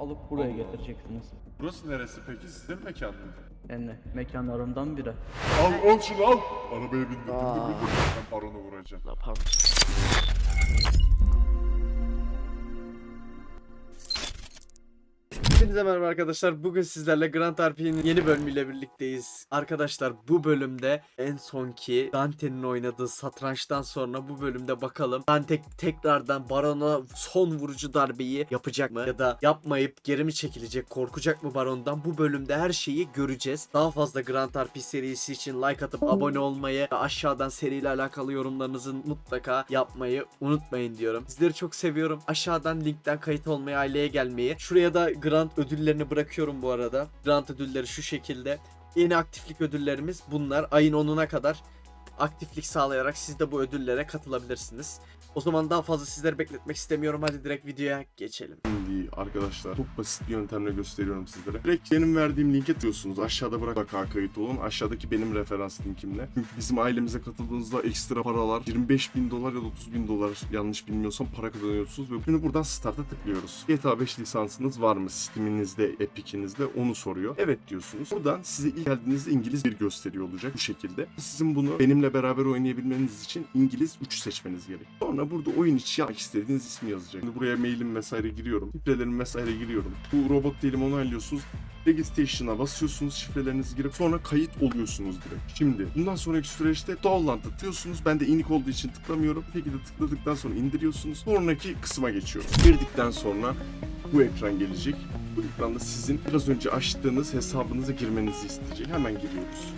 alıp buraya Allah Allah. getireceksiniz. Burası neresi peki? Sizin mekan mı? Yani mekanlarımdan biri. Al şunu al. Arabaya bindir. Ben baronu vuracağım. Ne yapalım? Hepinize merhaba arkadaşlar. Bugün sizlerle Grand RP'nin yeni bölümüyle birlikteyiz. Arkadaşlar bu bölümde en sonki Dante'nin oynadığı satrançtan sonra bu bölümde bakalım Dante tekrardan Baron'a son vurucu darbeyi yapacak mı? Ya da yapmayıp geri mi çekilecek? Korkacak mı Baron'dan? Bu bölümde her şeyi göreceğiz. Daha fazla Grand RP serisi için like atıp abone olmayı ve aşağıdan seriyle alakalı yorumlarınızı mutlaka yapmayı unutmayın diyorum. Sizleri çok seviyorum. Aşağıdan linkten kayıt olmayı, aileye gelmeyi. Şuraya da Grand ödüllerini bırakıyorum bu arada. Grand ödülleri şu şekilde. Yeni aktiflik ödüllerimiz bunlar. Ayın 10'una kadar aktiflik sağlayarak siz de bu ödüllere katılabilirsiniz. O zaman daha fazla sizleri bekletmek istemiyorum. Hadi direkt videoya geçelim. Şimdi arkadaşlar çok basit bir yöntemle gösteriyorum sizlere. Direkt benim verdiğim linke tıklıyorsunuz. Aşağıda mutlaka kayıt olun. Aşağıdaki benim referans linkimle. Çünkü bizim ailemize katıldığınızda ekstra paralar 25.000 dolar ya da 30.000 dolar yanlış bilmiyorsam para kazanıyorsunuz. Ve şimdi buradan start'a tıklıyoruz. GTA 5 lisansınız var mı? Steam'inizde, Epic'inizde onu soruyor. Evet diyorsunuz. Buradan size ilk geldiğinizde İngiliz bir gösteriyor olacak bu şekilde. Sizin bunu benimle beraber oynayabilmeniz için İngiliz 3 seçmeniz gerek. Sonra burada oyun içi yapmak istediğiniz ismi yazacak. Şimdi buraya mailim vesaire giriyorum. Şifrelerimi vesaire giriyorum. Bu robot değilim onaylıyorsunuz. Registration'a basıyorsunuz, şifrelerinizi girip sonra kayıt oluyorsunuz direkt. Şimdi bundan sonraki süreçte download'a tıklıyorsunuz. Ben de inik olduğu için tıklamıyorum. Bir şekilde tıkladıktan sonra indiriyorsunuz. Sonraki kısma geçiyoruz. Girdikten sonra bu ekran gelecek. Bu ekranda sizin biraz önce açtığınız hesabınıza girmenizi isteyecek. Hemen giriyoruz.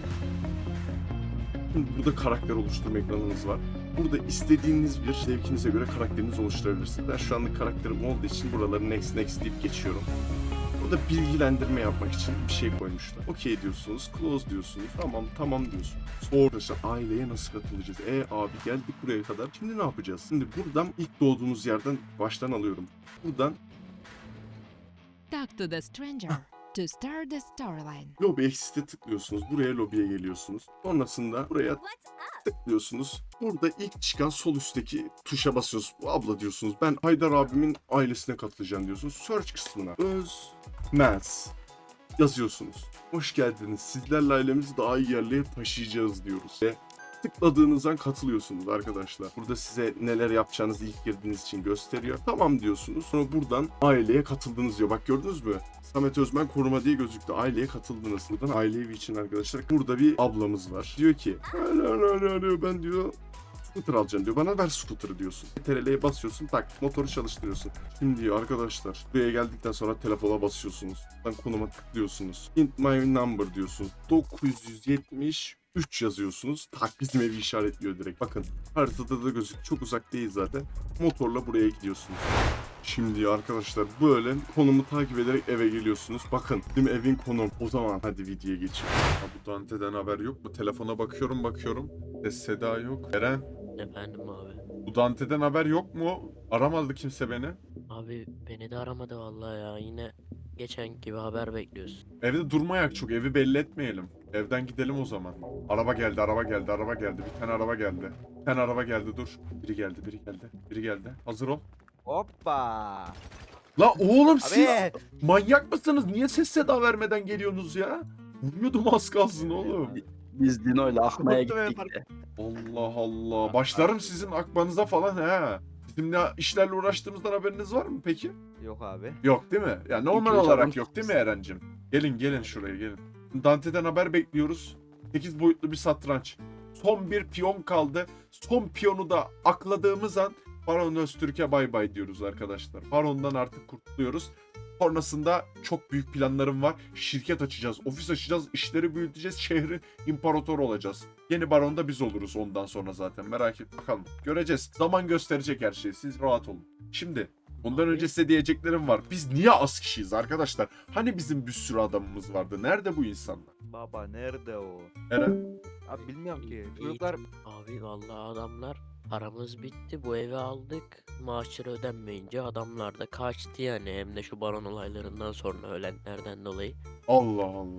Şimdi burada karakter oluşturma ekranınız var. Burada istediğiniz bir zevkinize göre karakterinizi oluşturabilirsiniz. Ben şu anlık karakterim olduğu için buraları next deyip geçiyorum. Burada bilgilendirme yapmak için bir şey koymuşlar. Okey diyorsunuz, close diyorsunuz, tamam diyorsunuz. Sonra arkadaşlar aileye nasıl katılacağız? Abi geldik buraya kadar. Şimdi ne yapacağız? Şimdi buradan ilk doğduğunuz yerden baştan alıyorum. Buradan Talk to the stranger to start the storyline. Lobby Exit'e tıklıyorsunuz. Buraya lobiye geliyorsunuz. Sonrasında buraya tıklıyorsunuz. Burada ilk çıkan sol üstteki tuşa basıyorsunuz. Bu abla diyorsunuz. Ben Haydar abimin ailesine katılacağım diyorsunuz. Search kısmına Özmez yazıyorsunuz. Hoş geldiniz. Sizlerle ailemizi daha iyi yerlere taşıyacağız diyoruz. Ve tıkladığınız an katılıyorsunuz arkadaşlar. Burada size neler yapacağınızı ilk girdiğiniz için gösteriyor. Tamam diyorsunuz. Sonra buradan aileye katıldınız diyor. Bak gördünüz mü? Samet Özmen koruma diye gözüktü. Aileye katıldınız. Buradan aile evi için arkadaşlar. Burada bir ablamız var. Diyor ki ben diyor scooter alacağım diyor. Bana ver scooter'ı diyorsun. TRL'ye basıyorsun, tak motoru çalıştırıyorsun. Şimdi diyor arkadaşlar buraya geldikten sonra telefona basıyorsunuz. Buradan konuma tıklıyorsunuz. Hint my number diyorsunuz. 973 yazıyorsunuz. Tak bizim evi işaretliyor direkt. Bakın haritada da gözük. Çok uzak değil zaten. Motorla buraya gidiyorsunuz. Şimdi arkadaşlar böyle konumu takip ederek eve geliyorsunuz. Bakın bizim evin konum. O zaman hadi videoya geçelim. Ha, bu Dante'den haber yok mu? Telefona bakıyorum. Seda yok. Eren, Efendim abi. bu Dante'den haber yok mu? Aramadı kimse beni. Abi beni de aramadı vallahi ya. Yine geçen gibi haber bekliyoruz. Evde durmayak çok. Evi belli etmeyelim. Evden gidelim o zaman. Araba geldi. Bir tane araba geldi. Bir tane araba geldi dur. Biri geldi. Hazır ol. Hoppa. La oğlum siz Abi. manyak mısınız? Niye ses seda vermeden geliyorsunuz ya? Vuruyordum az kalsın oğlum. Biz Dino'yla akmaya Korktum gittik de. Allah Allah. Başlarım sizin akmanıza falan he. Bizim ne işlerle uğraştığımızdan haberiniz var mı peki? Yok abi. Yok değil mi? Ya normal İki üç olarak adam yok değil mi Eren'cim? Gelin şuraya gelin. Dante'den haber bekliyoruz. 8 boyutlu bir satranç. Son bir piyon kaldı. Son piyonu da akladığımız an Baron Öztürk'e bay bay diyoruz arkadaşlar. Baron'dan artık kurtuluyoruz. Sonrasında çok büyük planlarım var. Şirket açacağız, ofis açacağız, işleri büyüteceğiz, şehrin imparatoru olacağız. Yeni baron da biz oluruz ondan sonra zaten. Merak et bakalım. Göreceğiz. Zaman gösterecek her şeyi. Siz rahat olun. Şimdi bundan önce size diyeceklerim var. Biz niye az kişiyiz arkadaşlar? Hani bizim bir sürü adamımız vardı. Nerede bu insanlar? Baba nerede o? Eren? Abi bilmiyorum ki. İyi. Çocuklar Abi vallahi adamlar paramız bitti. Bu evi aldık. Maaşları ödenmeyince adamlar da kaçtı yani. Hem de şu baron olaylarından sonra ölenlerden dolayı. Allah Allah.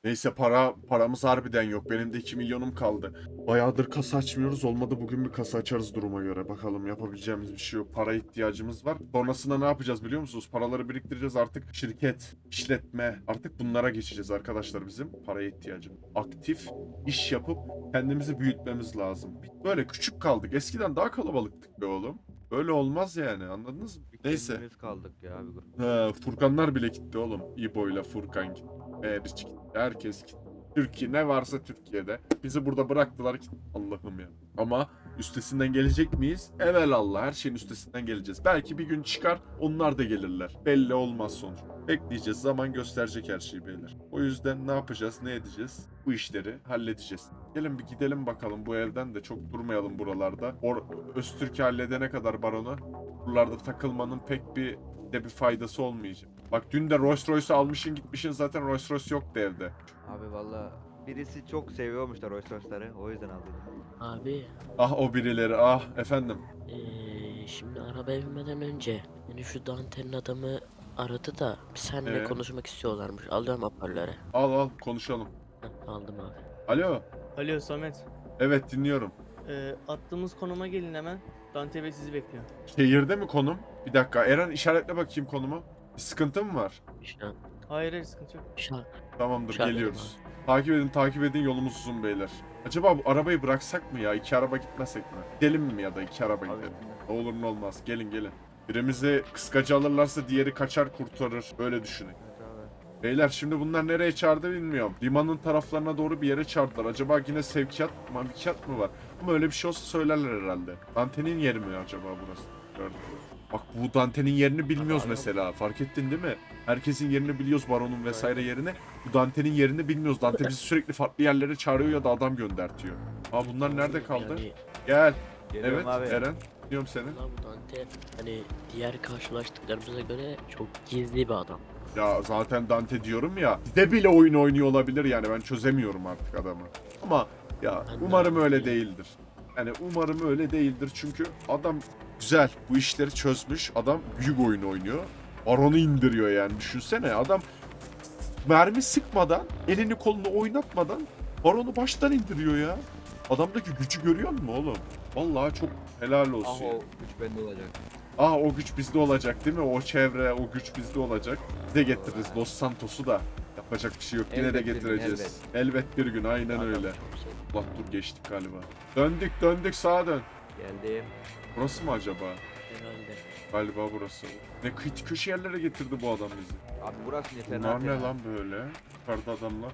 Neyse paramız harbiden yok. Benim de 2 milyonum kaldı. Bayağıdır kasa açmıyoruz. Olmadı bugün bir kasa açarız duruma göre. Bakalım yapabileceğimiz bir şey yok. Para ihtiyacımız var. Sonrasında ne yapacağız biliyor musunuz? Paraları biriktireceğiz artık. Şirket, işletme artık bunlara geçeceğiz arkadaşlar bizim. Paraya ihtiyacımız. Aktif iş yapıp kendimizi büyütmemiz lazım. Böyle küçük kaldık. Eskiden daha kalabalıktık be oğlum. Böyle olmaz yani anladınız mı? Neyse. Kendimiz kaldık ya abi. Furkanlar bile gitti oğlum. İbo ile Furkan gitti. Meriç gitti. Herkes gitti. Türkiye ne varsa Türkiye'de. Bizi burada bıraktılar ki Allah'ım ya. Ama üstesinden gelecek miyiz? Evelallah her şeyin üstesinden geleceğiz. Belki bir gün çıkar onlar da gelirler. Belli olmaz sonuç. Bekleyeceğiz. Zaman gösterecek her şeyi beyler. O yüzden ne yapacağız? Ne edeceğiz? Bu işleri halledeceğiz. Gelin bir gidelim bakalım bu evden de çok durmayalım buralarda. Öztürk'ü halledene kadar baronu buralarda takılmanın pek bir faydası olmayacak. Bak dün de Rolls Royce'u almışsın gitmişsin zaten Rolls Royce yoktu evde. Abi valla birisi çok seviyormuş da Rolls Royce'ları. O yüzden aldım. Abi Ah o birileri ah efendim. şimdi arabaya binmeden önce beni şu Dante'nin adamı aradı da seninle konuşmak istiyorlarmış. Alıyorum hoparlöre. Al konuşalım. Aldım abi. Alo. Alo Samet. Evet dinliyorum. Attığımız konuma gelin hemen. Dante Bey sizi bekliyor. Şehirde mi konum? Bir dakika Eren işaretle bakayım konumu. Bir sıkıntı mı var? Hayır hayır sıkıntı yok. Tamamdır İşaret geliyoruz. Takip edin yolumuz uzun beyler. Acaba bu arabayı bıraksak mı ya? 2 araba gitmesek mi? Gidelim mi ya da 2 araba gidelim? Ne olur ne olmaz. Gelin. Birimizi kıskacı alırlarsa diğeri kaçar kurtarır. Öyle düşünün. Evet abi. Beyler şimdi bunlar nereye çağırdı bilmiyorum. Limanın taraflarına doğru bir yere çağırdılar. Acaba yine sevkiyat mı var? Ama öyle bir şey olsa söylerler herhalde. Dante'nin yeri mi acaba burası? Gördüm. Bak bu Dante'nin yerini bilmiyoruz mesela. Fark ettin değil mi? Herkesin yerini biliyoruz baronun vesaire yerini. Bu Dante'nin yerini bilmiyoruz. Dante bizi sürekli farklı yerlere çağırıyor ya da adam göndertiyor. Aa bunlar nerede kaldı? Yani, Gel. Geliyorum Evet abi. Eren. Diyorum seni. lan bu Dante hani diğer karşılaştıklarımıza göre çok gizli bir adam. Ya zaten Dante diyorum ya. Bize bile oyun oynuyor olabilir yani ben çözemiyorum artık adamı. Ama ya Ben de umarım öyle öyle. değildir. Yani umarım öyle değildir çünkü adam güzel bu işleri çözmüş. Adam büyük oyun oynuyor. Baron'u indiriyor yani düşünsene adam mermi sıkmadan elini kolunu oynatmadan Baron'u baştan indiriyor ya. Adamdaki gücü görüyor musun oğlum? Vallahi çok helal Ah olsun. o güç bende olacak. O güç bizde olacak değil mi? O çevre, o güç bizde olacak. Bize getiririz Los Santos'u da. Yapacak bir şey yok. Yine de Elbet bir gün, getireceğiz. Elbet bir gün aynen Adam öyle. çok sevdim. Allah dur geçtik galiba. Döndük sağa dön. Geldim. Burası mı acaba? Herhalde. Galiba burası. Ne köşe yerlere getirdi bu adam bizi. Abi burası yeter. Bunlar ne lan böyle? Yukarıda adamlar.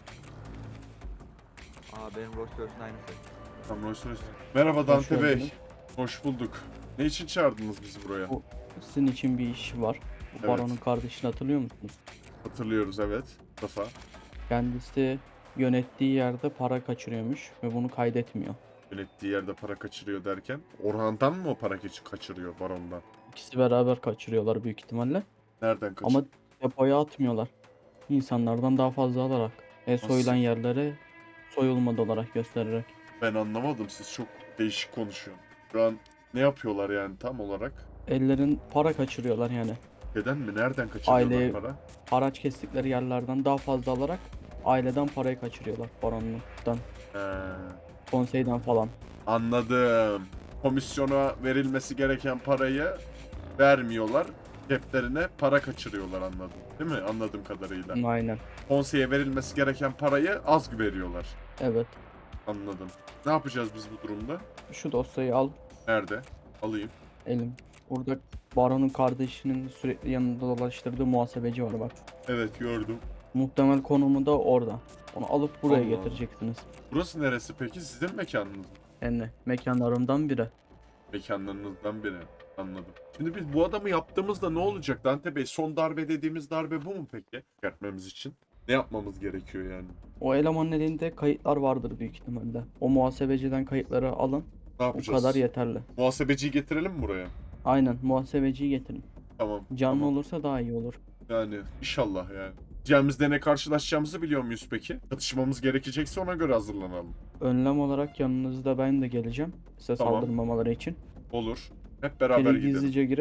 Aa benim Rolls Royce'un aynısı. Tamam, merhaba Dante Hoş Bey. geldiniz. Hoş bulduk. Ne için çağırdınız bizi buraya? Bu- Sizin için bir iş var. Bu Evet. baronun kardeşini hatırlıyor musunuz? Hatırlıyoruz evet. Mustafa. Kendisi yönettiği yerde para kaçırıyormuş ve bunu kaydetmiyor. Yönettiği yerde para kaçırıyor derken. Orhan'dan mı o para kaçırıyor barondan? İkisi beraber kaçırıyorlar büyük ihtimalle. Nereden kaçırıyor? Ama depoya atmıyorlar. İnsanlardan daha fazla alarak. Soyulan yerlere soyulmadı olarak göstererek. Ben anlamadım. Siz çok değişik konuşuyorsunuz. Şu an ne yapıyorlar yani tam olarak? Ellerin para kaçırıyorlar yani. Neden mi? Nereden kaçırıyorlar Aile- para? Haraç kestikleri yerlerden daha fazla alarak aileden parayı kaçırıyorlar baronluktan, He, konseyden falan. anladım. Komisyona verilmesi gereken parayı vermiyorlar. Ceplerine para kaçırıyorlar anladım. Değil mi? Anladığım kadarıyla. Aynen. Konseye verilmesi gereken parayı az veriyorlar. Evet. Anladım. Ne yapacağız biz bu durumda? Şu dosyayı al Nerede? Alayım. elim. Burada baronun kardeşinin sürekli yanında dolaştırdığı muhasebeci var bak. Evet gördüm. Muhtemel konumu da orada. Onu alıp buraya Allah Allah. getireceksiniz. Burası neresi peki? Sizin mekanınız mı? Yani mekanlarımdan biri. Mekanlarınızdan biri. Anladım. Şimdi biz bu adamı yaptığımızda ne olacak Dante Bey? Son darbe dediğimiz darbe bu mu peki? Çıkartmamız için. Ne yapmamız gerekiyor yani? O elemanın elinde kayıtlar vardır büyük ihtimalle. O muhasebeciden kayıtları alın. Ne O yapacağız? kadar yeterli. Muhasebeciyi getirelim mi buraya? Aynen muhasebeciyi getirin. Tamam. Canlı tamam. olursa daha iyi olur. Yani inşallah yani. Gideceğimizde ne karşılaşacağımızı biliyor muyuz peki? Çatışmamız gerekecekse ona göre hazırlanalım. Önlem olarak yanınızda ben de geleceğim. Size Tamam. saldırmamaları için. Olur. Hep beraber İçeri gidelim. gizlice girip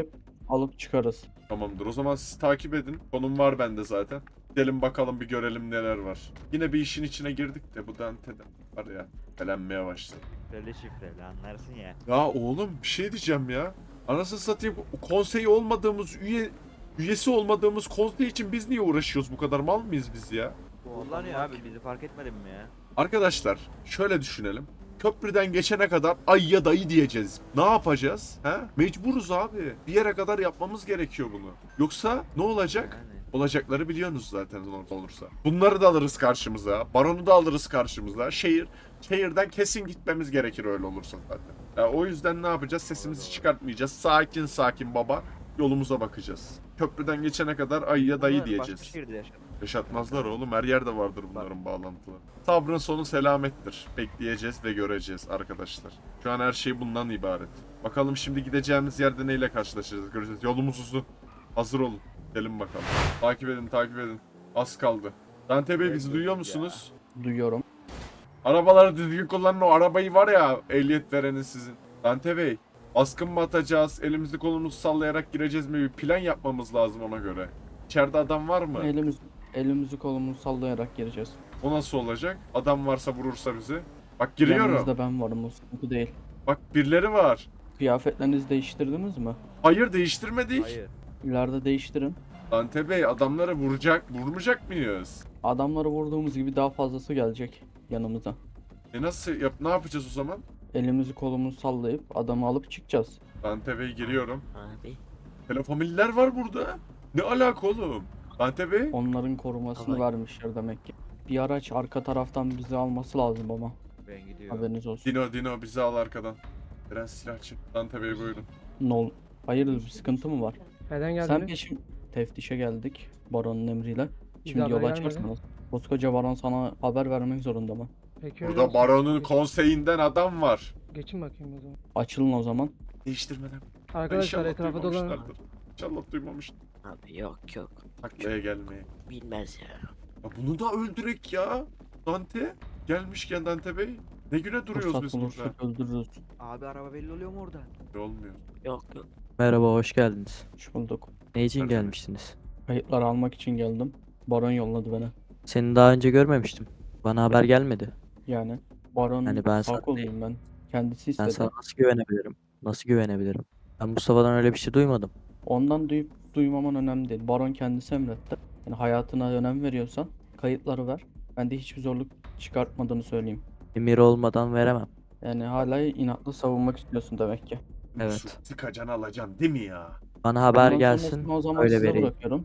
alıp çıkarız. Tamamdır. O zaman siz takip edin. Konum var bende zaten. Gidelim bakalım, bir görelim neler var. Yine bir işin içine girdik de bu Dante'den var ya, belenmeye başladı. Şifreli şifreli anlarsın ya. Ya oğlum bir şey diyeceğim ya. Anasını satayım, konseyi olmadığımız, üyesi olmadığımız konsey için biz niye uğraşıyoruz, bu kadar mal mıyız biz ya? Kullanıyor abi, bizi fark etmedin mi ya? Arkadaşlar şöyle düşünelim. Köprüden geçene kadar ay ya dayı diyeceğiz. Ne yapacağız? He? Mecburuz abi. Bir yere kadar yapmamız gerekiyor bunu. Yoksa ne olacak? Yani. Olacakları biliyorsunuz zaten olursa. Bunları da alırız karşımıza. Baronu da alırız karşımıza. Şehirden kesin gitmemiz gerekir öyle olursa zaten. Ya o yüzden ne yapacağız? Sesimizi çıkartmayacağız. Sakin sakin baba yolumuza bakacağız. Köprüden geçene kadar ay ya dayı Bunlar diyeceğiz. Başka şehirde yaşadı. Yaşatmazlar oğlum. Her yerde vardır bunların bağlantıları. Sabrın sonu selamettir. Bekleyeceğiz ve göreceğiz arkadaşlar. Şu an her şey bundan ibaret. Bakalım şimdi gideceğimiz yerde neyle karşılaşacağız, göreceğiz. Yolumuz uzun. Hazır olun. Gelin bakalım. Takip edin, takip edin. Az kaldı. Dante Bey, bizi duyuyor musunuz? Duyuyorum. Arabaları düzgün kullanın, o arabayı var ya, ehliyet verenin sizin. Dante Bey, baskın mı atacağız, elimizi kolumuzu sallayarak gireceğiz mi? Bir plan yapmamız lazım ona göre. İçeride adam var mı? Elimizi kolumuzu sallayarak gireceğiz. O nasıl olacak? Adam varsa vurursa bizi. Bak giriyorum. Yanınızda ben varım, o sıkıntı değil. Bak birileri var. Kıyafetlerinizi değiştirdiniz mi? Hayır, değiştirmedik. Hayır. İleride değiştirin. Dante Bey, adamları vurmayacak mıyız? Adamları vurduğumuz gibi daha fazlası gelecek yanımıza. Nasıl ne yapacağız o zaman? Elimizi kolumuzu sallayıp adamı alıp çıkacağız. Dante Bey, giriyorum. Abi Telefamiller var burada. Ne alaka oğlum? Dante Bey? Onların korumasını Ama- vermişler demek ki. Bir araç arka taraftan bizi alması lazım ama. Ben gidiyorum. Haberiniz olsun. Dino bizi al arkadan. Biraz silah çek. Dante Bey buyurun. Hayırdır, bir sıkıntı mı var? Neden Sen geldiniz? peşim teftişe geldik baronun emriyle. Bize Şimdi haber yola gelmedi. çıkarsanız. Koskoca baron sana haber vermek zorunda mı? Peki öyle Burada olsun. baronun konseyinden adam var. Geçin bakayım o zaman. Açılın o zaman. Değiştirmeden. Arkadaşlar İnşallah etrafa dolanın. duymamışlardır. İnşallah duymamıştır. abi yok. Taklaya gelmeye. Bilmez ya. Ya bunu da öldürek ya. Dante. Gelmişken Dante Bey. Ne güne duruyoruz Fırsat biz burada? bulursak öldürürüz. Abi araba belli oluyor mu orada? Ne olmuyor. Yok. Merhaba, hoş geldiniz. Hoş bulduk. Ne için Merhaba. gelmiştiniz? Kayıtları almak için geldim. Baron yolladı beni. Seni daha önce görmemiştim. Bana haber gelmedi. Yani baron Yani ben sağ sana- koluyum ben. Kendisi Ben istedi. sana nasıl güvenebilirim? Nasıl güvenebilirim? Ben Mustafa'dan öyle bir şey duymadım. Ondan duyup duymaman önemli değil. Baron kendisi emretti. Yani hayatına önem veriyorsan kayıtları ver. Ben de hiçbir zorluk çıkartmadığını söyleyeyim. Emir olmadan veremem. Yani hala inatlı savunmak istiyorsun demek ki. Evet. Sıkacan alacaksın değil mi ya? Bana haber Bundan gelsin, sonrasını o zaman öyle size vereyim. bırakıyorum.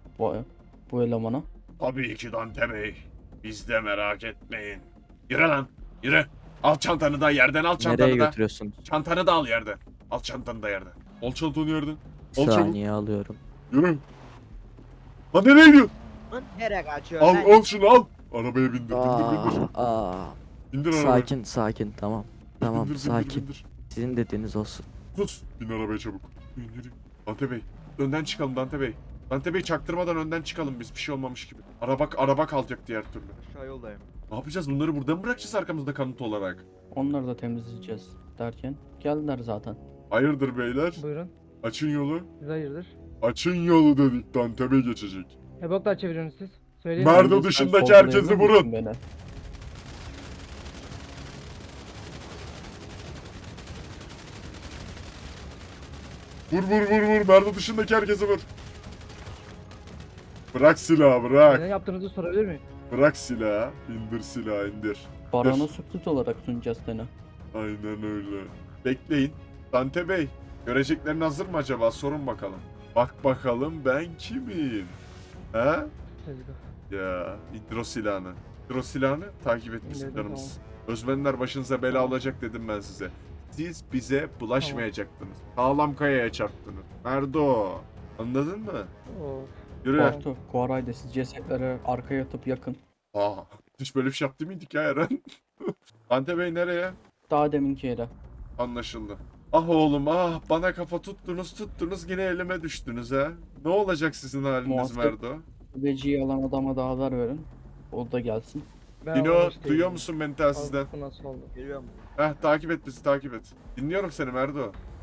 Bu elemana. Tabii ki Dante Bey. Biz de merak etmeyin. Yürü lan. Yürü. Al çantanı da yerden, al Nereye çantanı da. götürüyorsunuz? Çantanı da al yerden. Al çantanı da yerden. Al çantanı yerden. Bir Al çabuk. saniye alıyorum. Yürü. Lan nereye gidiyorsun? Lan nereye kaçıyorsun Al lan? al şunu al. Arabaya bindir bindir bindir. Aa, Bindir arabaya. sakin tamam. Tamam, Bindir, bindir, sakin. bindir. Sizin dediğiniz olsun. Sus. Bin arabaya çabuk. Yürü. Dante Bey. Önden çıkalım Dante Bey. Dante Bey, çaktırmadan önden çıkalım biz, bir şey olmamış gibi. Araba kalacak diğer türlü. Aşağı yoldayım. Ne yapacağız? Bunları burada mı bırakacağız arkamızda kanıt olarak? Onları da temizleyeceğiz derken geldiler zaten. Hayırdır beyler? Buyurun. Açın yolu. Siz hayırdır? Açın yolu dedik, Dante Bey geçecek. Ne boklar çeviriyorsunuz siz? Söyleyin. Merdo Sen dışındaki sorgulayabilir herkesi misin vurun. beni? Vur. Merdo dışındaki herkesi vur. Bırak silahı, bırak. Ne yaptığınızı sorabilir miyim? Bırak silahı. İndir silahı, indir. Barona sürpriz olarak sunacağız seni. Aynen öyle. Bekleyin. Dante Bey, göreceklerin hazır mı acaba? Sorun bakalım. Bak bakalım ben kimim? He? Tezgah. Ya, indir o silahını. İndir o silahını, takip etmesin İndirdim, canımız. Özmenler başınıza bela olacak dedim ben size. Siz bize bulaşmayacaktınız. Sağlam kayaya çarptınız. Merdo. Anladın mı? Oo. Yürü. Bartu, Koray da siz cesetleri arkaya atıp yakın. Aa, hiç böyle bir şey yaptı mıydık ya Eren? Dante Bey nereye? Daha deminki yere. Anlaşıldı. Ah oğlum ah, bana kafa tuttunuz yine elime düştünüz ha. Ne olacak sizin haliniz Muhasebe- Merdo? Veci'yi alan adama da haber verin. O da gelsin. Ben Dino, anlamış değilim. duyuyor musun beni telsizden? Bu nasıl oldu? Geliyorum. Takip et bizi, takip et. Dinliyorum seni Merdo.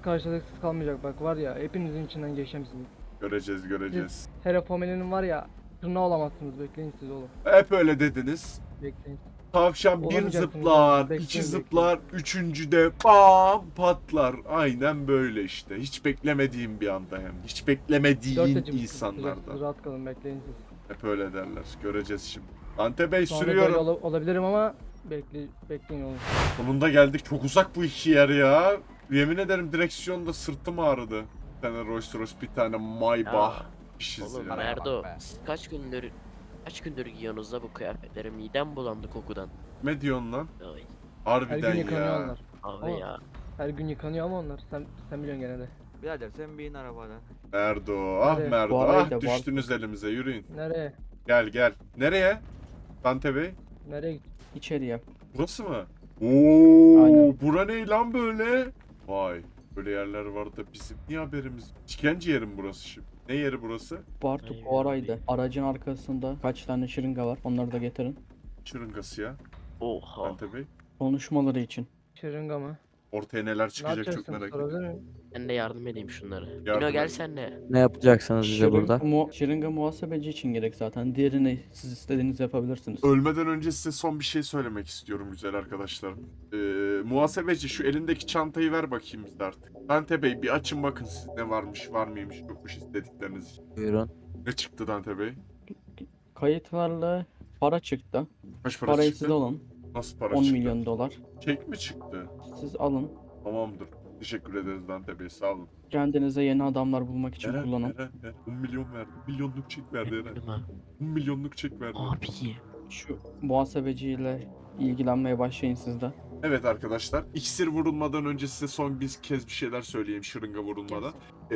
karşılıksız kalmayacak bak var ya hepinizin içinden geçeceğim sizi. Göreceğiz. Herafomeli'nin var ya tırnağı olamazsınız bekleyin siz oğlum. Hep öyle dediniz. Bekleyin. Tavşan bir Olamayacaksınız zıplar, oğlum, bekleyin, iki bekleyin. zıplar, üçüncüde bam patlar. Aynen böyle işte. Hiç beklemediğim bir anda hem. Hiç 4 beklemediğin açım tutacaksınız, insanlardan. rahat kalın bekleyin siz. Hep öyle derler. Göreceğiz şimdi. Dante Bey Şu anda böyle sürüyorum. olabilirim ama bekleyin oğlum. Sonunda geldik. Çok uzak bu iki yer ya. Yemin ederim direksiyonda sırtım ağrıdı. Bir tane Rolls Royce, bir tane Maybach. Ya, İşiz Oğlum ya. Merdo siz kaç gündür giyiyorsunuz da bu kıyafetleri, midem bulandı kokudan. Ne diyorsun lan? Ay, Her Harbiden gün yıkanıyor ya. onlar. abi Ama- ya. Her gün yıkanıyor ama onlar. Sen biliyorsun gene de. Birader sen bin arabadan. Merdo, ah Nereye? Merdo, Bu arayı ah da düştünüz elimize, yürüyün. Nereye? Gel. Nereye? Dante Bey? Nereye git? İçeriye. Burası mı? Oo, Aynen. bura ne lan böyle? Vay, böyle yerler var da bizim niye haberimiz? İşkence yeri mi burası şimdi? Ne yeri burası? Bartu Ay, Kuaray'da. Aracın arkasında kaç tane şırınga var. Onları da getirin. Şırıngası ya, Oha. Dante Bey. Konuşmaları için. Şırınga mı? Ortaya neler Ne çıkacak çok yapacaksın? merak ediyorum. Sorabilir miyim? Ben de yardım edeyim şunlara. Yardım Dino gel et. sen de. Ne yapacaksınız bize burada? Şırınga muhasebeci için gerek zaten. Diğerini siz istediğinizi yapabilirsiniz. Ölmeden önce size son bir şey söylemek istiyorum güzel arkadaşlarım. Muhasebeci şu elindeki çantayı ver bakayım bize artık. Dante Bey bir açın bakın siz ne varmış, var mıymış, yokmuş istedikleriniz için. Buyurun. Ne çıktı Dante Bey? Kayıtlarla para çıktı. Kaç para Parayı çıktı? siz alın. Nasıl para 10 çıktı? milyon dolar. Çek mi çıktı? Siz alın. Tamamdır. Teşekkür ederiz Dante Bey, sağ olun. Kendinize yeni adamlar bulmak için kullanın. Eren, 10 milyon verdi. Milyonluk çek verdi Eren. Benim ha. 10 milyonluk çek verdi. Abi. Şu muhasebeciyle ilgilenmeye başlayın siz de. Evet arkadaşlar, iksir vurulmadan önce size son bir kez bir şeyler söyleyeyim şırınga vurulmadan.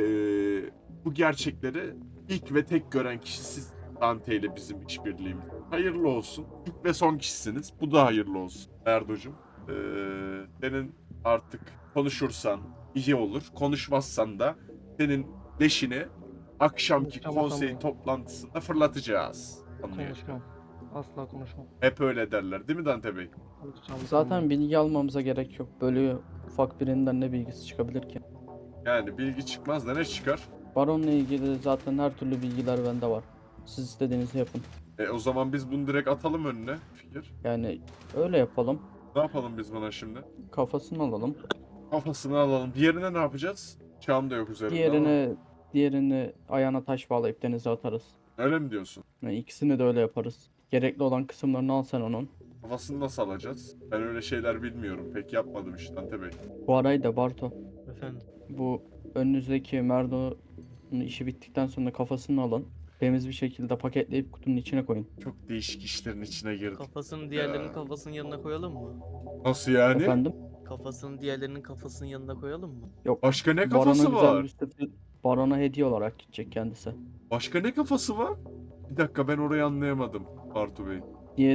Bu gerçekleri ilk ve tek gören kişi siz, Dante ile bizim işbirliğimiz. Hayırlı olsun. İlk ve son kişisiniz. Bu da hayırlı olsun. Erdo'cum, senin artık konuşursan iyi olur. Konuşmazsan da senin leşini akşamki Konuşamazsam konsey mı? toplantısında fırlatacağız. Anlıyor. Konuşmam. Asla konuşmam. Hep öyle derler değil mi Dante Bey? Konuşacağım. Zaten bilgi almamıza gerek yok. Böyle ufak birinden ne bilgisi çıkabilir ki? Yani bilgi çıkmaz da ne çıkar? Baronla ilgili zaten her türlü bilgiler bende var. Siz istediğinizi yapın. O zaman biz bunu direkt atalım önüne. Fikir. Yani öyle yapalım. Ne yapalım biz buna şimdi? Kafasını alalım. Kafasını alalım. Diğerine ne yapacağız? Çam da yok üzerinde ama. Diğerini ayağına taş bağlayıp denize atarız. Öyle mi diyorsun? Yani ikisini de öyle yaparız. Gerekli olan kısımlarını al sen onun. Kafasını nasıl alacağız? Ben öyle şeyler bilmiyorum. Pek yapmadım işte Dante Bey. Bu arayı da Barto. Efendim. Bu önünüzdeki Merdo'nun işi bittikten sonra kafasını alın. Temiz bir şekilde paketleyip kutunun içine koyun. Çok değişik işlerin içine girdik. Kafasını diğerlerinin Ya. kafasının yanına koyalım mı? Nasıl yani? Efendim? Kafasını diğerlerinin kafasının yanına koyalım mı? Yok. Başka ne Baron'a kafası güzel var? bir sürpriz- Baron'a hediye olarak gidecek kendisi. Başka ne kafası var? Bir dakika ben orayı anlayamadım Bartu Bey.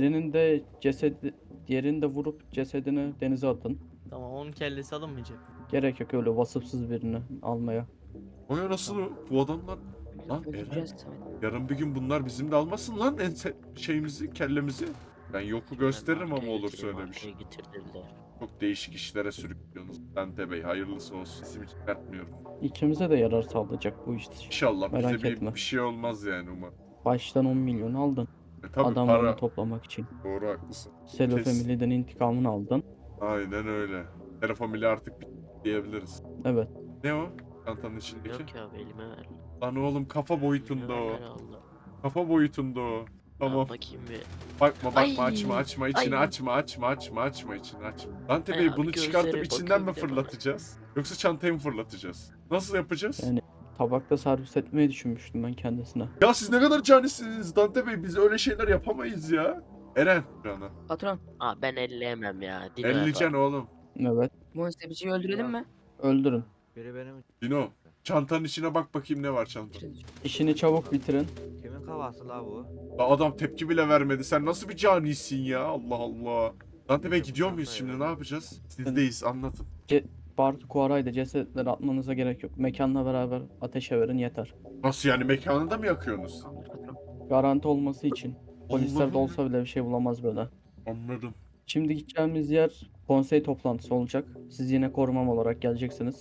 Diğerini de vurup cesedini denize atın. Tamam, onun kellesi alınmayacak. Gerek yok öyle vasıfsız birini almaya. O ya nasıl o? Bu adamlar... Lan Eren, yarın bir gün bunlar bizim de almasın lan şeyimizi, kellemizi. Ben yoku gösteririm ama olursa öyle bir şey. Getirdiler. Çok değişik işlere sürüklüyorsunuz. Dante Bey hayırlısı olsun. Sesimi çıkartmıyorum. İkimize de yarar sağlayacak bu işte. İnşallah Merak bize etme. bir şey olmaz yani umarım. Baştan 10 milyon aldın. Tabii Adamlarını para. toplamak için. Doğru haklısın. Selo Kes. Family'den intikamını aldın. Aynen öyle. Telefamili artık diyebiliriz. Evet. Ne o? Çantanın içindeki. Yok ya, elime ver. Lan oğlum kafa boyutunda Elime o. ver Allah. Kafa boyutunda o. Tamam. Ya bakayım bir. Bakma Ay. açma içini Ay. açma içini açma. Dante Ay Bey abi, bunu çıkartıp gözlere içinden mi bakayım bir de fırlatacağız? Yoksa çantayı mı fırlatacağız? Nasıl yapacağız? Yani tabakta servis etmeyi düşünmüştüm ben kendisine. Ya siz ne kadar canisiniz Dante Bey, biz öyle şeyler yapamayız ya. Eren. Cana. Patron, Aa, ben elleyemem ya. Dino 50 yapar. can oğlum. Evet. muhasebeciyi öldürelim mi? Öldürün. Biri benim. Dino. Çantanın içine bak bakayım ne var çantada. İşini çabuk bitirin. Kimin kafası la bu? Ya adam tepki bile vermedi. Sen nasıl bir canisin ya? Allah Allah. Dante Bey gidiyor muyuz şimdi? Ne yapacağız? Sizdeyiz. Anlatın. Bartu Kuaray'da cesetleri atmanıza gerek yok. Mekanla beraber ateşe verin yeter. Nasıl yani? Mekanında mı yakıyorsunuz? Garanti olması için. Polisler de Allah'ım. olsa bile bir şey bulamaz böyle. Anladım. Şimdi gideceğimiz yer konsey toplantısı olacak. Siz yine korumam olarak geleceksiniz.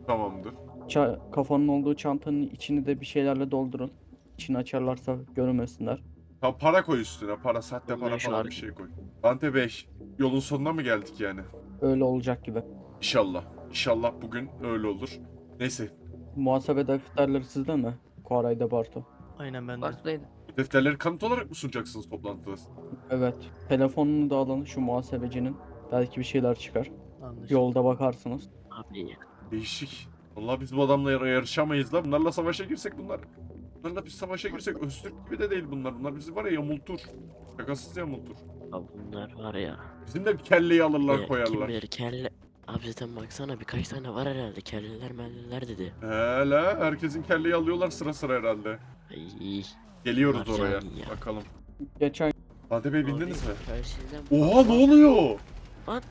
Tamamdır. Kafanın olduğu çantanın içini de bir şeylerle doldurun. İçini açarlarsa görmesinler. Tamam, para koy üstüne. Para, sahte Vallahi para şu falan an- bir şey koy. Dante Bey, yolun sonuna mı geldik yani? Öyle olacak gibi. İnşallah. İnşallah bugün öyle olur. Neyse. Muhasebe defterleri sizde mi? Koray'da Bartu. Aynen ben de. Bartu'daydı. Bu defterleri kanıt olarak mı sunacaksınız toplantıda? Evet. Telefonunu da alın şu muhasebecinin. Belki bir şeyler çıkar. Anlaşıldı. Yolda bakarsınız. Abi Değişik. Vallahi biz bu adamla yarışamayız lan. Bunlarla savaşa girsek bunlar. Bunlarla biz savaşa girsek Öztürk gibi de değil bunlar. Bunlar bizi var ya yamultur. Şakasız yamultur. abi bunlar var ya. Bizim de kelleyi alırlar Kim koyarlar. bilir kelle. Abi zaten baksana birkaç tane var herhalde kelleler melleler dedi. Hele herkesin kelleyi alıyorlar sıra sıra herhalde. Ay. Geliyoruz Bunlar oraya. cani ya. Bakalım. Geçen Dante Bey bindiniz mi? Telsizden Oha ne oluyor? Lan.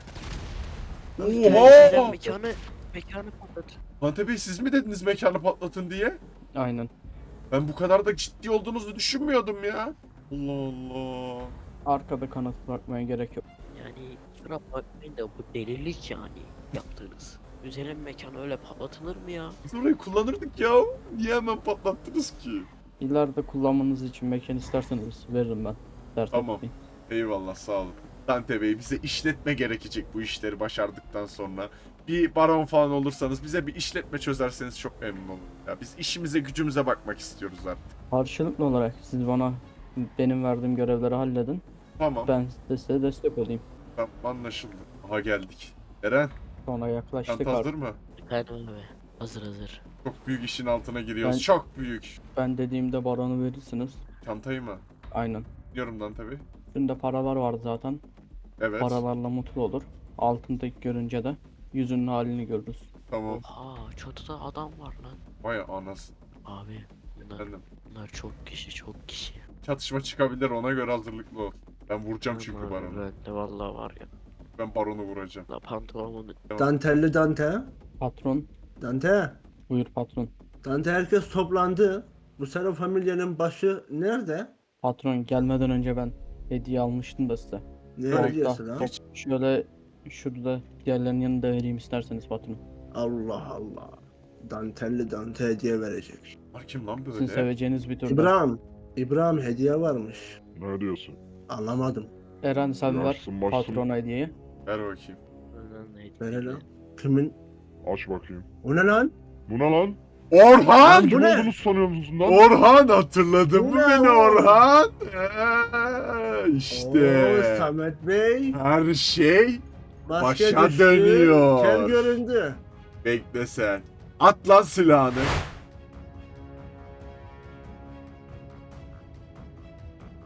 Oha! Mekanı patlat. Dante Bey siz mi dediniz mekanı patlatın diye? aynen. Ben bu kadar da ciddi olduğunuzu düşünmüyordum ya. Allah Allah. Arkada kanıt bırakmaya gerek yok. Yani kusura bakmayın da bu delilik yani yaptığınız. Güzelim mekanı öyle patlatılır mı ya? Biz orayı kullanırdık ya. Niye hemen patlattınız ki? İleride kullanmanız için mekan isterseniz veririm ben. Dert Tamam. etmeyin. Eyvallah sağ olun. Dante Bey bize işletme gerekecek bu işleri başardıktan sonra. Bir baron falan olursanız bize bir işletme çözerseniz çok memnun olurum. Ya biz işimize gücümüze bakmak istiyoruz artık. Karşılıklı olarak siz bana benim verdiğim görevleri halledin. Tamam. Ben de size destek olayım. Tamam anlaşıldı. Aha geldik. Eren Sonra yaklaştık çanta hazır artık. mı? Efendim abi. Hazır hazır. Çok büyük işin altına giriyoruz. Ben- Çok büyük. Ben dediğimde baronu verirsiniz. Çantayı mı? Aynen. Biliyorum Dante Bey. Üstünde paralar var zaten. Evet. Paralarla mutlu olur. Altındaki görünce de yüzünün halini görürüz. Tamam. Oha çatıda adam var lan. Vay anasını. Abi bunlar, Efendim. bunlar çok kişi. Çatışma çıkabilir ona göre hazırlıklı ol. Ben vuracağım çünkü Aman baronu. Ben de vallahi var ya. Ben baronu vuracağım. La pantolonumun Dantelli Dante. Patron, Dante. buyur patron. Dante herkes toplandı. Bu senin familyanın başı nerede? Patron gelmeden önce ben hediye almıştım da size. Ne Orta, hediyesi lan? Şöyle şurada diğerlerinin yanında vereyim isterseniz patron. Allah Allah. Dantelli Dante hediye verecek. Var kim lan Sizin böyle? seveceğiniz bir türlü. İbrahim hediye varmış. Ne diyorsun? Anlamadım. Eren sen ver Yarsın başsın. patrona hediyeyi. Ver bakayım. neydi? Ver lan. Kimin? Aç bakayım. O ne lan? Bu ne lan? Orhan! Kim bu ne? olduğunu sanıyor musun lan? Orhan hatırladın mı Bu ne beni o? Orhan? Oo, İşte. Samet Bey. Her şey Maske başa düştü, dönüyor. Kel göründü. bekle sen. At lan silahını.